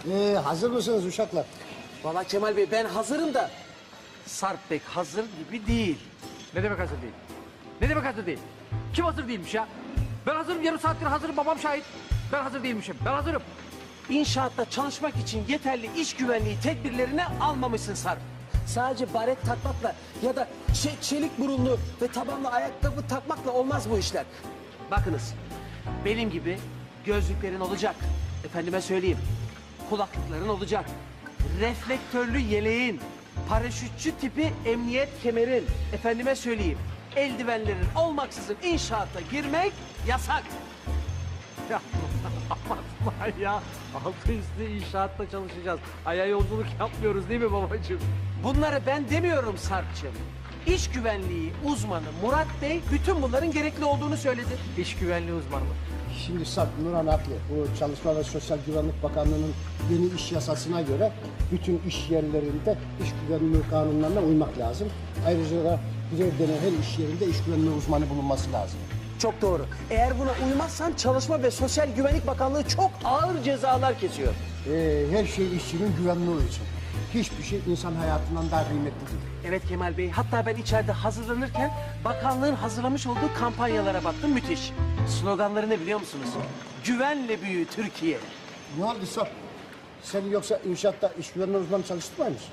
Hazır mısınız uşaklar? Vallahi Kemal Bey ben hazırım da Sarp Bey hazır gibi değil. Ne demek hazır değil? Ne demek hazır değil? Kim hazır değilmiş ya? Ben hazırım, yarım saattir hazırım, babam şahit. Ben hazır değilmişim, ben hazırım. İnşaatta çalışmak için yeterli iş güvenliği tedbirlerini almamışsın Sarp. Sadece baret takmakla ya da çelik burunlu ve tabanlı ayakkabı takmakla olmaz bu işler. Bakınız, benim gibi gözlüklerin olacak. Efendime söyleyeyim, kulaklıkların olacak. Reflektörlü yeleğin, paraşütçü tipi emniyet kemerin. Efendime söyleyeyim, eldivenlerin olmaksızın inşaata girmek yasak. Ya aman ya. Altı üstü inşaatta çalışacağız. Aya yolculuk yapmıyoruz değil mi babacığım? Bunları ben demiyorum Sarp'cığım. İş güvenliği uzmanı Murat Bey bütün bunların gerekli olduğunu söyledi. İş güvenliği uzmanı mı? Şimdi Sarp, Nurhan haklı. Bu Çalışma ve Sosyal Güvenlik Bakanlığı'nın yeni iş yasasına göre bütün iş yerlerinde iş güvenliği kanunlarına uymak lazım. Ayrıca da görev denen her iş yerinde iş güvenliği uzmanı bulunması lazım. Çok doğru. Eğer buna uymazsan Çalışma ve Sosyal Güvenlik Bakanlığı çok ağır cezalar kesiyor. Her şey işçinin güvenliği için. Hiçbir şey insan hayatından daha kıymetli değil. Evet Kemal Bey, hatta ben içeride hazırlanırken bakanlığın hazırlamış olduğu kampanyalara baktım, müthiş. Sloganları ne biliyor musunuz? Güvenle büyü Türkiye. Ne oldu Sarp? Sen yoksa inşaatta iş güvenliği uzmanı çalıştırmıyor musun?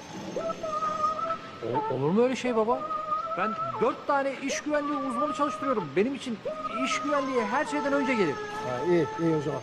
Olur mu öyle şey baba? Ben 4 tane iş güvenliği uzmanı çalıştırıyorum. Benim için iş güvenliği her şeyden önce gelir. Ha, iyi o zaman.